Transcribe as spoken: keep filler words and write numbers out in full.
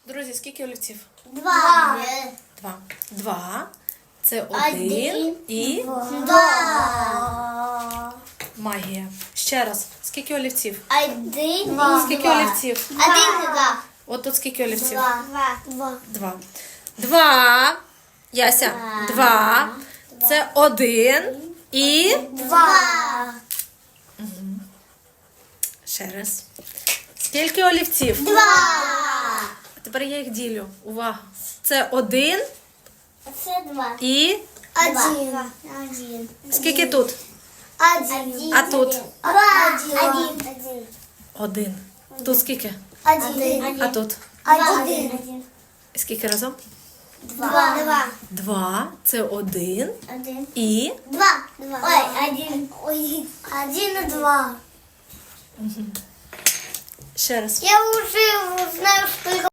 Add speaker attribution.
Speaker 1: Друзі, скільки олівців?
Speaker 2: Два.
Speaker 1: Два. Два. Це один і
Speaker 2: Два.
Speaker 1: магія. Ще раз. Скільки олівців?
Speaker 2: Один. Два.
Speaker 1: Скільки олівців?
Speaker 2: Один. Два.
Speaker 1: От тут скільки олівців?
Speaker 2: Два. Два.
Speaker 1: Два. Два. Яся. Два. Це один і
Speaker 2: Два.
Speaker 1: ще раз. Скільки олівців?
Speaker 2: Два.
Speaker 1: А тепер я їх ділю. Увага. Це один
Speaker 2: Це два.
Speaker 1: і
Speaker 2: Один. Один.
Speaker 1: скільки тут?
Speaker 2: Один.
Speaker 1: А тут?
Speaker 2: Один. Один.
Speaker 1: Один. Тут скільки?
Speaker 2: Один.
Speaker 1: А тут?
Speaker 2: Один.
Speaker 1: Скільки разом?
Speaker 2: Два. Два.
Speaker 1: Два. Це один
Speaker 2: Один.
Speaker 1: і
Speaker 2: Два. Два. Ой, один. Ой, один и два.
Speaker 1: ще раз.
Speaker 2: Я уже знаю, что